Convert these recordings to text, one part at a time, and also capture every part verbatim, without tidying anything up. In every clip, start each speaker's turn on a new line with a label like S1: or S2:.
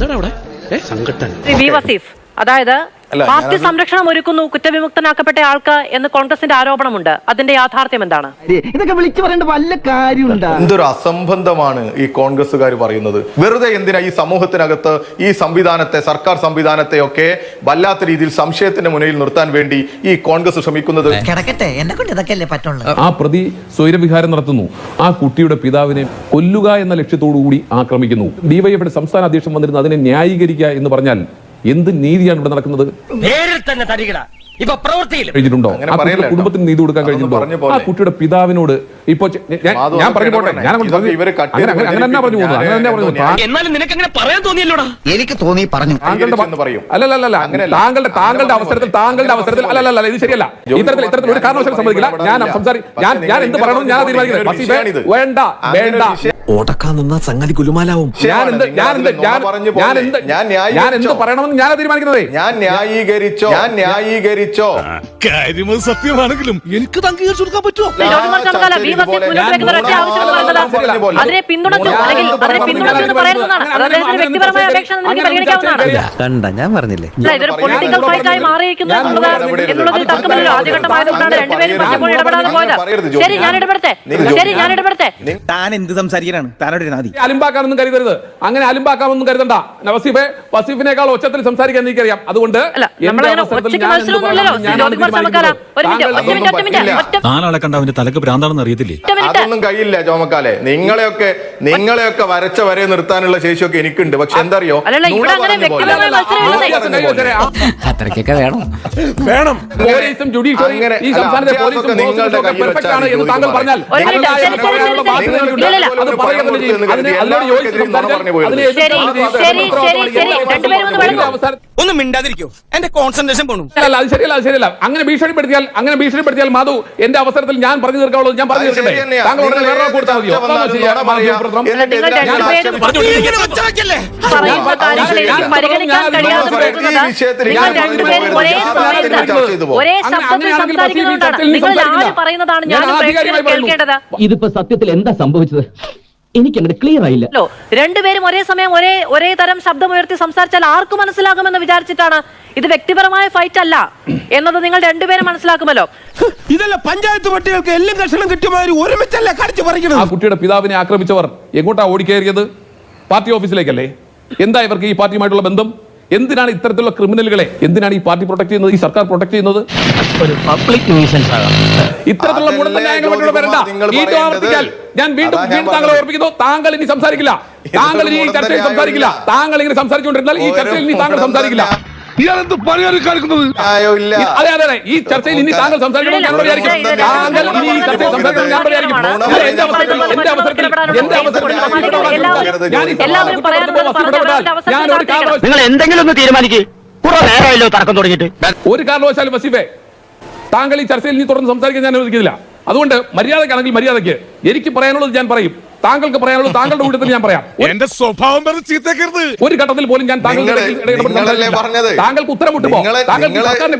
S1: എന്താണ് അവിടെ സംഘട്ടൻ
S2: വി വസീഫ് അതായത് പാർട്ടി സംരക്ഷണം ഒരുക്കുന്നു കുറ്റവിമുക്തനാക്കപ്പെട്ട ആൾക്ക് എന്ന് കോൺഗ്രസിന്റെ ആരോപണമുണ്ട്. അതിന്റെ യാഥാർത്ഥ്യം എന്താണ്?
S3: ഇതൊക്കെ വിളിച്ചു പറയേണ്ട വല്ല കാര്യമുണ്ടോ?
S4: എന്തൊരു അസംബന്ധമാണ് ഈ കോൺഗ്രസ്സുകാർ പറയുന്നത്. വെറുതെ എന്തിനാ ഈ സമൂഹത്തിനകത്ത് ഈ സംവിധാനത്തെ, സർക്കാർ സംവിധാനത്തെ ഒക്കെ വല്ലാത്ത രീതിയിൽ സംശയത്തിന്റെ മുന്നിൽ നിർത്താൻ വേണ്ടി ഈ കോൺഗ്രസ് ശ്രമിക്കുന്നത്?
S5: ആ പ്രതി സ്വൈരവിഹാരം നടത്തുന്നു, ആ കുട്ടിയുടെ പിതാവിനെ കൊല്ലുക എന്ന ലക്ഷ്യത്തോടുകൂടി ആക്രമിക്കുന്നു. ഡിവൈഎഫ്ഐയുടെ സംസ്ഥാന അധ്യക്ഷൻ വന്നിരുന്നു അതിനെ ന്യായീകരിക്കുക എന്ന് പറഞ്ഞാൽ എന്ത് നീതിയാണ് ഇവിടെ നടക്കുന്നത്? കഴിഞ്ഞിട്ടുണ്ടോ? ആ കുട്ടിയുടെ കുടുംബത്തിന് നീതി കൊടുക്കാൻ കഴിഞ്ഞിട്ടുണ്ടോ? ആ കുട്ടിയുടെ പിതാവിനോട് ഇപ്പൊ ഞാൻ പറഞ്ഞു പോട്ടെ, ഞാൻ അങ്ങനെ തന്നെ പറഞ്ഞു പോകുന്നു, അങ്ങനെ തന്നെ പറഞ്ഞു.
S3: എനിക്ക് തോന്നി പറഞ്ഞു.
S5: അല്ലല്ല താങ്കളുടെ താങ്കളുടെ അവസരത്തിൽ താങ്കളുടെ അവസരത്തിൽ അല്ലല്ല ഇത് ശരിയല്ല. ഇത്തരത്തിൽ ഇത്തരത്തിൽ ഒരു കാരണവശാലും സമ്മതിക്കില്ല. ഞാൻ സംസാരി ഞാൻ ഞാൻ എന്ത് പറയണമെന്ന് ഞാൻ തീരുമാനിക്കുന്നത്. വേണ്ട വേണ്ട
S6: ഓടക്കാൻ നിന്ന സംഗതി കുലുമാലാവും.
S5: ഞാൻ എന്ത് ഞാൻ എന്ത് ഞാൻ എന്ത് ഞാൻ എന്ത് പറയണമെന്ന് ഞാൻ തീരുമാനിക്കുന്നത്.
S4: ഞാൻ ന്യായീകരിച്ചോ ഞാൻ ന്യായീകരിച്ചോ
S6: കാര്യം സത്യമാണെങ്കിലും എനിക്ക് അംഗീകരിച്ചു കൊടുക്കാൻ പറ്റുമോ?
S2: കണ്ട ഞാൻ പറഞ്ഞില്ലേ ഇതൊരു പൊളിറ്റിക്കൽ ഫൈറ്റ് ആയി മാറിയിരിക്കുന്നു എന്നുള്ളതിൽ തർക്കമില്ലല്ലോ. ആദ്യഘട്ടമായതുകൊണ്ടാണ് രണ്ടുപേരും പറഞ്ഞപ്പോൾ ഇടപെടാതെ പോയത്. ശരി ഞാൻ ഇടപെടട്ടെ ശരി ഞാൻ ഇടപെടട്ടെ
S6: താൻ എന്ത് സംസാരിക്കാനാണ്?
S5: അലിമ്പാക്കാനൊന്നും കരുതരുത്, അങ്ങനെ അലിമ്പാക്കാനൊന്നും കരുതണ്ട. വസീഫെ വസീഫിനേക്കാൾ ഒച്ചത്തിൽ സംസാരിക്കാൻ എനിക്കറിയാം. അതുകൊണ്ട്
S6: നാലാളെ കണ്ട അവന്റെ തലക്ക് ഭ്രാന്താണെന്ന് അറിയത്തില്ലേ?
S4: അതൊന്നും കഴിയില്ല ചോമക്കാലെ. നിങ്ങളെയൊക്കെ നിങ്ങളെയൊക്കെ വരച്ച വരെ നിർത്താനുള്ള ശേഷിയൊക്കെ എനിക്കുണ്ട്. പക്ഷെ എന്തറിയോ,
S3: അത്രയ്ക്കൊക്കെ വേണം
S5: വേണം പോലീസും ജുഡീഷ്യറി ഈ സംസ്ഥാനത്തെ പോലീസും പെർഫെക്റ്റ് ആണ് എന്ന് താങ്കൾ പറഞ്ഞാൽ
S6: ഒന്നും മിണ്ടാതിരിക്കോ, എന്റെ കോൺസെൻട്രേഷൻ പോണു.
S5: അല്ല അത് ശരിയല്ല, അത് ശരിയല്ല. അങ്ങനെ ഭീഷണിപ്പെടുത്തിയാൽ അങ്ങനെ ഭീഷണിപ്പെടുത്തിയാൽ മാധു എന്റെ അവസരത്തിൽ ഞാൻ പറഞ്ഞു തീർക്കാവുള്ളൂ. ഞാൻ പറഞ്ഞു തീർക്കട്ടെ, താങ്കൾ ഉടനെ വേറെ കൊടുത്താൽ മതിയോ?
S3: ഇതിപ്പോ സത്യത്തിൽ എന്താ സംഭവിച്ചത്? എനിക്ക് അങ്ങനെ ക്ലിയർ ആയില്ല.
S2: രണ്ടുപേരും ഒരേ സമയം ഒരേ ഒരേ തരം ശബ്ദമുയർത്തി സംസാരിച്ചാൽ ആർക്കും മനസ്സിലാകുമെന്ന് വിചാരിച്ചിട്ടാണ്. ഇത് വ്യക്തിപരമായ ഫൈറ്റ് അല്ല എന്നത് നിങ്ങൾ രണ്ടുപേരും മനസ്സിലാക്കുമല്ലോ.
S6: ഇതല്ല പഞ്ചായത്ത് പട്ടികൾക്ക് എല്ലാം കഷണം കിട്ടിയമാതിരി ഒരുമിച്ചല്ലേ കടിച്ചു പറിക്കുന്നത്.
S5: ആ കുട്ടിയുടെ പിതാവിനെ ആക്രമിച്ചവർ എങ്ങോട്ടാ ഓടിക്കയറിയത്? പാർട്ടി ഓഫീസിലേക്കല്ലേ? എന്താ ഇവർക്ക് ഈ പാർട്ടിയുമായിട്ടുള്ള ബന്ധം? എന്തിനാണ് ഇത്തരത്തിലുള്ള ക്രിമിനലുകളെ എന്തിനാണ് ഈ പാർട്ടി പ്രൊട്ടക്ട് ചെയ്യുന്നത്, ഈ സർക്കാർ പ്രൊട്ടക്ട് ചെയ്യുന്നത്?
S3: ഒരു പബ്ലിക് ന്യൂസൻസ് ആണ്
S5: ഇത്തരത്തിലുള്ള മുടന്തന്യായങ്ങൾ വരണ്ട. വീണ്ടും ആവർത്തിക്കാൻ ഞാൻ വീണ്ടും വീണ്ടും താങ്കളെ ഓർപ്പിക്കുന്നു, താങ്കൾ ഇനി സംസാരിക്കില്ല. താങ്കൾ ഇനി ഈ ചർച്ചയിൽ സംസാരിക്കില്ല. താങ്കൾ ഇങ്ങനെ സംസാരിച്ചുകൊണ്ടിരുന്നാൽ ഈ ചർച്ചയിൽ ഇനി താങ്കൾ സംസാരിക്കില്ല.
S6: ഇയാളെന്ത് പണിയാണ് കാണിക്കുന്നത്?
S5: അതെ അതെ അതെ ഈ ചർച്ചയിൽ ഇനി താങ്കൾ സംസാരിക്കണം ഞാൻ വിചാരിക്കും. താങ്കൾ ഇനി ഈ ചർച്ചയിൽ സംസാരിക്കണം ഞാൻ വിചാരിക്കും. എന്റെ അവസരത്തിൽ എന്റെ അവസരത്തിൽ എന്റെ അവസരത്തിൽ ഞാൻ ഒരു കാരണവശാലും
S3: നിങ്ങൾ എന്തെങ്കിലും ഒന്ന് തീരുമാനിക്കും. തർക്കം തുടങ്ങിയിട്ട്
S5: ഒരു കാരണവശാലും വസീഫെ താങ്കൾ ഈ ചർച്ചയിൽ ഇനി തുടർന്ന് സംസാരിക്കാൻ ഞാൻ അനുവദിക്കുന്നില്ല. അതുകൊണ്ട് മര്യാദക്കാണെങ്കിൽ മര്യാദയ്ക്ക് എനിക്ക് പറയാനുള്ളത് ഞാൻ പറയും, താങ്കൾക്ക് പറയാനുള്ളത് താങ്കളുടെ കൂട്ടത്തിൽ ഞാൻ പറയാം.
S6: എന്റെ സ്വഭാവം ചീത്തക്കരുത്.
S5: ഒരു ഘട്ടത്തിൽ പോലും ഞാൻ താങ്കളുടെ താങ്കൾക്ക് ഉത്തരം മുട്ടുമോ? താങ്കൾക്ക് സർക്കാരിനെ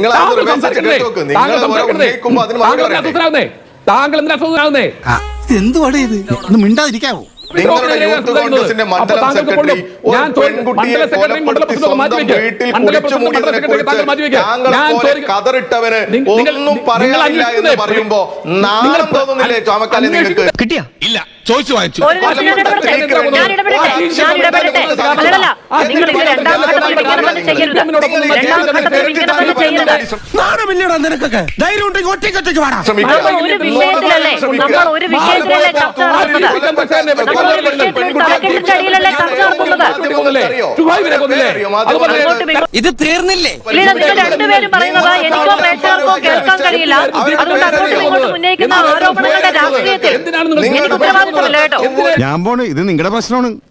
S5: കുറ്റപ്പെടുത്തുന്നേ താങ്കൾ എന്തിനാ അസ്വസ്ഥനാകുന്നേ?
S6: എന്തുവാടേ ഇത്? ഒന്ന് മിണ്ടാതിരിക്കാവോ?
S4: നിങ്ങളുടെ യൂത്ത് കോൺഗ്രസിന്റെ മണ്ഡലം സെക്രട്ടറി പെൺകുട്ടിയെ കൊലപ്പെടുത്തി സ്വന്തം വീട്ടിൽ കുടിച്ചു മൂടിയതിനെ കുറിച്ച് താങ്കളെ കതറിട്ടവന് ഒന്നും പറയാനില്ല എന്ന് പറയുമ്പോ നാണം തോന്നുന്നില്ലേ ചോമക്കാലി നിങ്ങൾക്ക്?
S6: കിട്ടിയ ഇല്ല ചോദിച്ചു വാങ്ങിച്ചു. നാണമില്ലടാ നിനക്കൊക്കെ. ധൈര്യം ഉണ്ടെങ്കിൽ ഒറ്റയ്ക്കൊറ്റയ്ക്ക് വേണം.
S2: ഇത് തീർന്നില്ലേ? രണ്ടുപേരും പറയുന്നത് എനിക്കോ പ്രേക്ഷകർക്കോ കേൾക്കാൻ കഴിയില്ല. അതുകൊണ്ട് അങ്ങോട്ടും ഇങ്ങോട്ടും ഉന്നയിക്കുന്ന ആരോപണങ്ങളുടെ രാഷ്ട്രീയത്തിൽ എനിക്ക് ഉത്തരവാദിത്വമില്ല കേട്ടോ.
S6: ഞാൻ പോണ്, ഇത് നിങ്ങളുടെ പ്രശ്നമാണ്.